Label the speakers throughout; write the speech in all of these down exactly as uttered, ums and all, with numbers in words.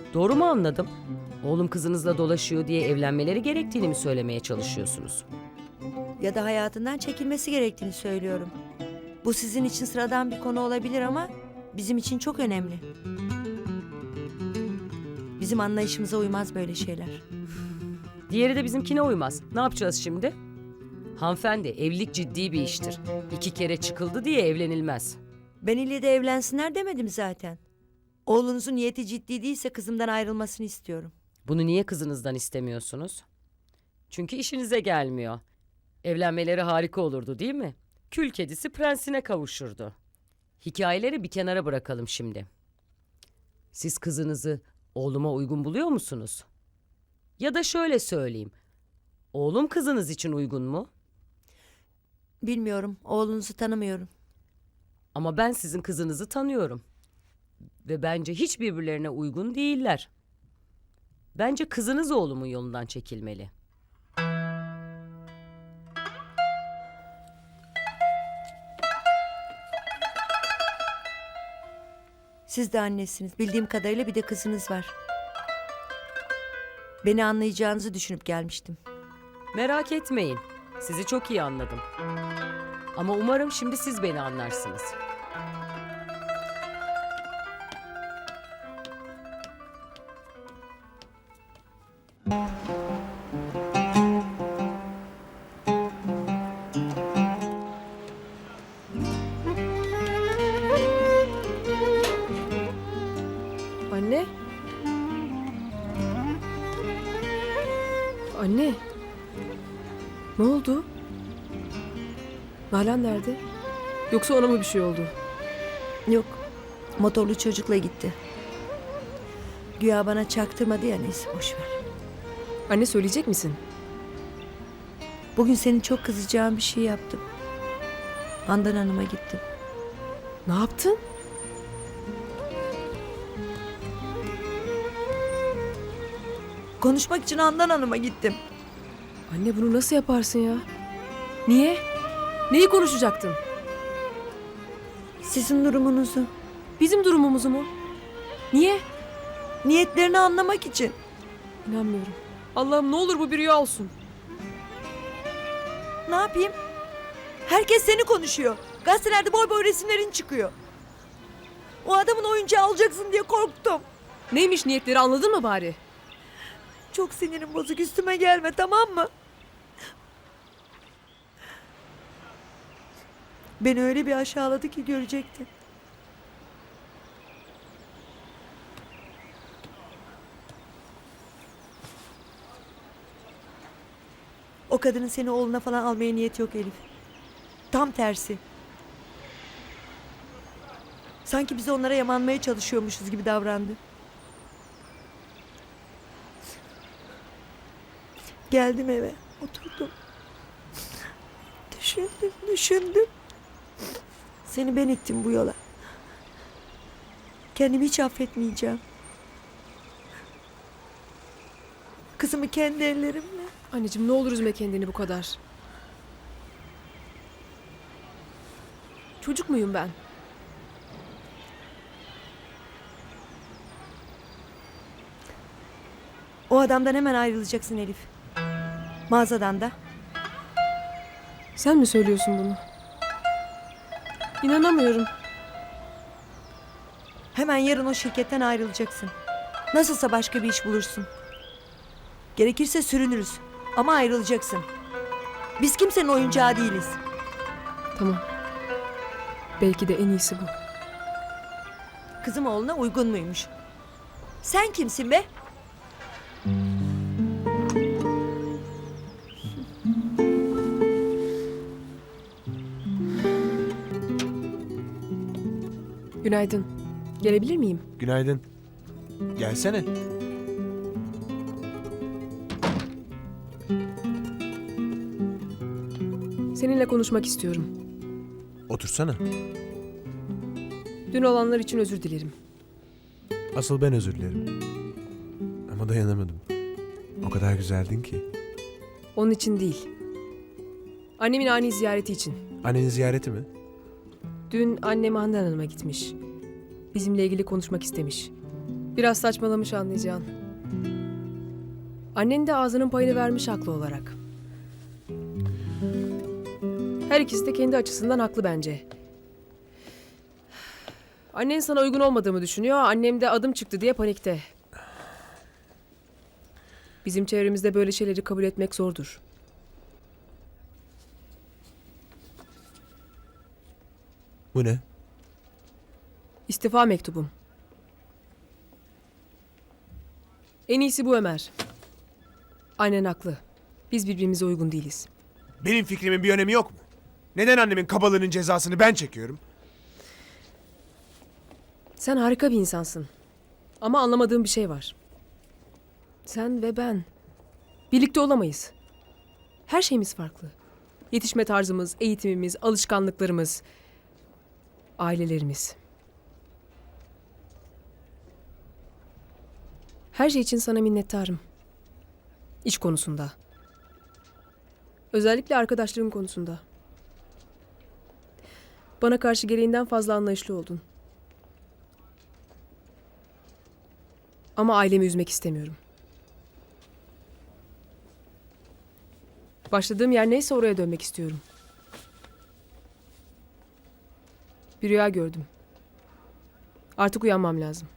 Speaker 1: Doğru mu anladım? Oğlum kızınızla dolaşıyor diye evlenmeleri gerektiğini mi söylemeye çalışıyorsunuz?
Speaker 2: Ya da hayatından çekilmesi gerektiğini söylüyorum. Bu sizin için sıradan bir konu olabilir ama bizim için çok önemli. Bizim anlayışımıza uymaz böyle şeyler.
Speaker 1: Diğeri de bizimkine uymaz. Ne yapacağız şimdi? Hanımefendi, evlilik ciddi bir iştir. İki kere çıkıldı diye evlenilmez.
Speaker 2: Ben ille de evlensinler demedim zaten. Oğlunuzun niyeti ciddi değilse kızımdan ayrılmasını istiyorum.
Speaker 1: Bunu niye kızınızdan istemiyorsunuz? Çünkü işinize gelmiyor. Evlenmeleri harika olurdu değil mi? Kül kedisi prensine kavuşurdu. Hikayeleri bir kenara bırakalım şimdi. Siz kızınızı oğluma uygun buluyor musunuz? Ya da şöyle söyleyeyim. Oğlum kızınız için uygun mu?
Speaker 2: Bilmiyorum, oğlunuzu tanımıyorum.
Speaker 1: Ama ben sizin kızınızı tanıyorum. Ve bence hiç birbirlerine uygun değiller. Bence kızınız oğlumun yolundan çekilmeli.
Speaker 2: Siz de annesiniz. Bildiğim kadarıyla bir de kızınız var. Beni anlayacağınızı düşünüp gelmiştim.
Speaker 1: Merak etmeyin. Sizi çok iyi anladım. Ama umarım şimdi siz beni anlarsınız.
Speaker 3: Anne? Anne? Ne oldu? Nalan nerede? Yoksa ona mı bir şey oldu?
Speaker 2: Yok, motorlu çocukla gitti. Güya bana çaktırmadı ya, neyse boş ver.
Speaker 3: Anne söyleyecek misin?
Speaker 2: Bugün senin çok kızacağın bir şey yaptım. Handan Hanım'a gittim.
Speaker 3: Ne yaptın?
Speaker 2: Konuşmak için Handan Hanım'a gittim.
Speaker 3: Anne bunu nasıl yaparsın ya? Niye? Neyi konuşacaktın?
Speaker 2: Sizin durumunuzu,
Speaker 3: Bizim durumumuzu mu? Niye?
Speaker 2: niyetlerini anlamak için.
Speaker 3: İnanmıyorum. Allah'ım ne olur bu bir rüya olsun.
Speaker 2: Ne yapayım? Herkes seni konuşuyor. Gazetelerde boy boy resimlerin çıkıyor. O adamın oyuncağı olacaksın diye korktum.
Speaker 3: Neymiş niyetleri anladın mı bari?
Speaker 2: Çok sinirim bozuk, üstüme gelme, tamam mı? Beni öyle bir aşağıladı ki görecektin. O kadının seni oğluna falan almaya niyeti yok Elif. Tam tersi. Sanki biz onlara yamanmaya çalışıyormuşuz gibi davrandı. Geldim eve, oturdum. Düşündüm, düşündüm. Seni ben ittim bu yola. Kendimi hiç affetmeyeceğim. Kızımı kendi ellerimle.
Speaker 3: Anneciğim ne olur üzme kendini bu kadar. Çocuk muyum ben?
Speaker 2: O adamdan hemen ayrılacaksın Elif. Mağazadan da.
Speaker 3: Sen mi söylüyorsun bunu? İnanamıyorum.
Speaker 2: Hemen yarın o şirketten ayrılacaksın. Nasılsa başka bir iş bulursun. Gerekirse sürünürüz. Ama ayrılacaksın. Biz kimsenin oyuncağı değiliz.
Speaker 3: Tamam. Belki de en iyisi bu.
Speaker 2: Kızım oğluna uygun muymuş? Sen kimsin be?
Speaker 3: Günaydın. Gelebilir miyim?
Speaker 4: Günaydın. Gelsene.
Speaker 3: Seninle konuşmak istiyorum.
Speaker 4: Otursana.
Speaker 3: Dün olanlar için özür dilerim.
Speaker 4: Asıl ben özür dilerim. Ama dayanamadım. O kadar güzeldin ki.
Speaker 3: Onun için değil. Annemin ani ziyareti için.
Speaker 4: Annenin ziyareti mi?
Speaker 3: Dün annem Handan Hanım'a gitmiş. Bizimle ilgili konuşmak istemiş. Biraz saçmalamış anlayacağın. Annen de ağzının payını vermiş haklı olarak. Her ikisi de kendi açısından haklı bence. Annen sana uygun olmadığımı düşünüyor, annem de adım çıktı diye panikte. Bizim çevremizde böyle şeyleri kabul etmek zordur.
Speaker 4: Bu ne?
Speaker 3: İstifa mektubum. En iyisi bu Ömer. Annen haklı. Biz birbirimize uygun değiliz.
Speaker 4: Benim fikrimin bir önemi yok mu? Neden annemin kabalığının cezasını ben çekiyorum?
Speaker 3: Sen harika bir insansın. Ama anlamadığım bir şey var. Sen ve ben birlikte olamayız. Her şeyimiz farklı. Yetişme tarzımız, eğitimimiz, alışkanlıklarımız, ailelerimiz. Her şey için sana minnettarım. İş konusunda. Özellikle arkadaşlığın konusunda. Bana karşı gereğinden fazla anlayışlı oldun. Ama ailemi üzmek istemiyorum. Başladığım yer neyse oraya dönmek istiyorum. Bir rüya gördüm. Artık uyanmam lazım.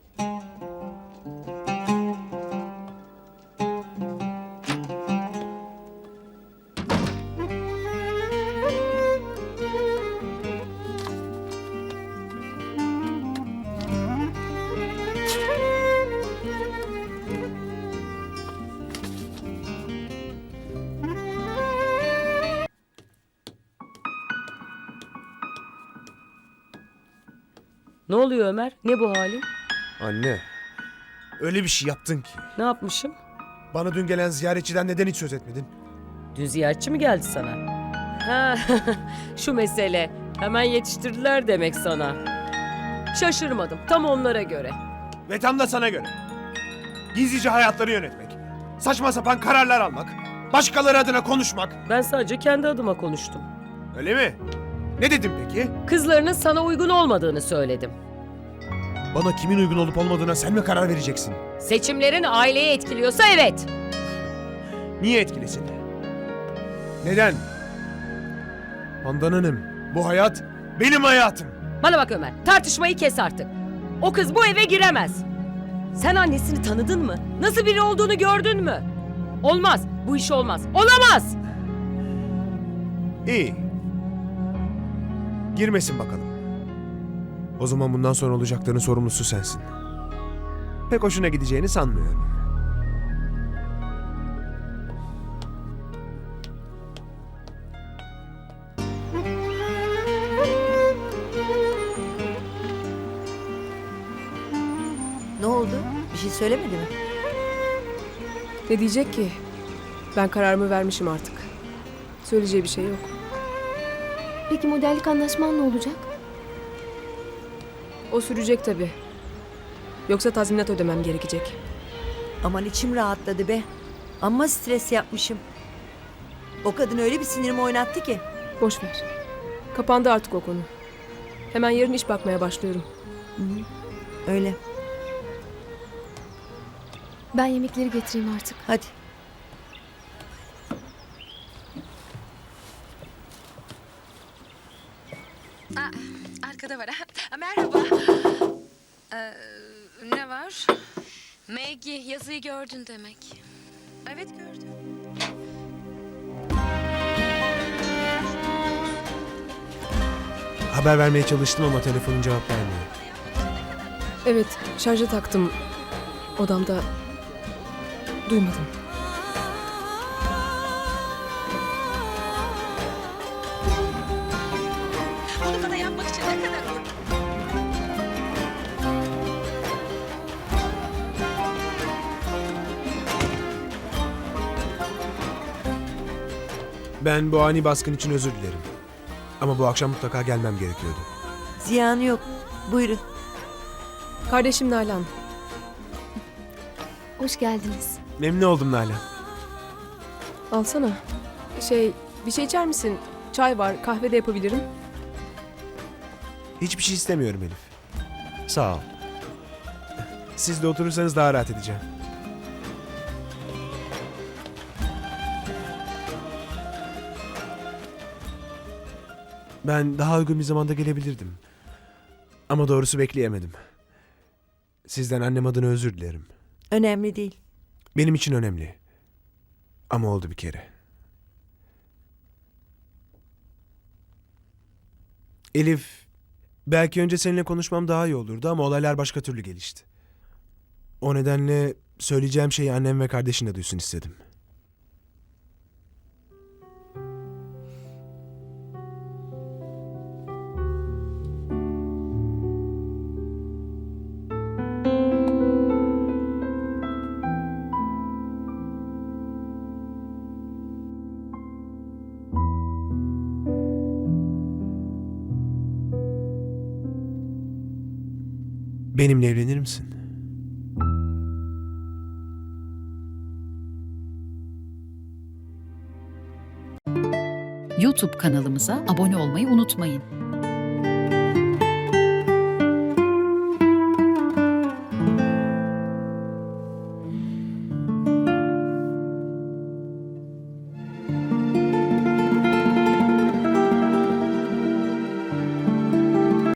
Speaker 1: Ne oluyor Ömer? Ne bu halin?
Speaker 4: Anne. Öyle bir şey yaptın ki.
Speaker 1: Ne yapmışım?
Speaker 4: Bana dün gelen ziyaretçiden neden hiç söz etmedin?
Speaker 1: Dün ziyaretçi mi geldi sana? Ha, şu mesele. Hemen yetiştirdiler demek sana. Şaşırmadım. Tam onlara göre.
Speaker 4: Ve tam da sana göre. Gizlice hayatları yönetmek. Saçma sapan kararlar almak. Başkaları adına konuşmak.
Speaker 1: Ben sadece kendi adıma konuştum.
Speaker 4: Öyle mi? Ne dedim peki?
Speaker 1: Kızlarının sana uygun olmadığını söyledim.
Speaker 4: Bana kimin uygun olup olmadığına sen mi karar vereceksin?
Speaker 1: Seçimlerin aileyi etkiliyorsa evet.
Speaker 4: Niye etkilesin? Neden? Handan Hanım, bu hayat benim hayatım.
Speaker 1: Bana bak Ömer, tartışmayı kes artık. O kız bu eve giremez. Sen annesini tanıdın mı? Nasıl biri olduğunu gördün mü? Olmaz, bu iş olmaz. Olamaz!
Speaker 4: İyi. Girmesin bakalım. O zaman bundan sonra olacakların sorumlusu sensin. Pek hoşuna gideceğini sanmıyorum.
Speaker 2: Ne oldu? Bir şey söylemedi mi?
Speaker 3: Ne diyecek ki? Ben kararımı vermişim artık. Söyleyeceği bir şey yok.
Speaker 5: Peki modellik anlaşman ne olacak?
Speaker 3: O sürecek tabii. Yoksa tazminat ödemem gerekecek.
Speaker 2: Aman içim rahatladı be. Amma stres yapmışım. O kadın öyle bir sinirimi oynattı ki.
Speaker 3: Boş ver. Kapandı artık o konu. Hemen yarın iş bakmaya başlıyorum.
Speaker 2: Öyle.
Speaker 5: Ben yemekleri getireyim artık.
Speaker 2: Hadi.
Speaker 6: Arkada var ha. Merhaba. Ee, ne var?
Speaker 7: Maggie, yazıyı gördün demek.
Speaker 6: Evet gördüm.
Speaker 4: Haber vermeye çalıştım ama telefonun cevap vermiyor.
Speaker 3: Evet, şarja taktım. Odamda duymadım.
Speaker 6: Bunu bana yapmak için ne kadar...
Speaker 4: Ben bu ani baskın için özür dilerim. Ama bu akşam mutlaka gelmem gerekiyordu.
Speaker 2: Ziyanı yok. Buyurun.
Speaker 3: Kardeşim Nalan.
Speaker 5: Hoş geldiniz.
Speaker 4: Memnun oldum Nalan.
Speaker 3: Alsana. Şey, bir şey içer misin? Çay var, kahve de yapabilirim.
Speaker 4: Hiçbir şey istemiyorum Elif. Sağ ol. Siz de oturursanız daha rahat edeceğim. Ben daha uygun bir zamanda gelebilirdim. Ama doğrusu bekleyemedim. Sizden annem adına özür dilerim.
Speaker 2: Önemli değil.
Speaker 4: Benim için önemli. Ama oldu bir kere. Elif, belki önce seninle konuşmam daha iyi olurdu ama olaylar başka türlü gelişti. O nedenle söyleyeceğim şeyi annem ve kardeşin de duysun istedim. Benimle evlenir misin?
Speaker 8: YouTube kanalımıza abone olmayı unutmayın.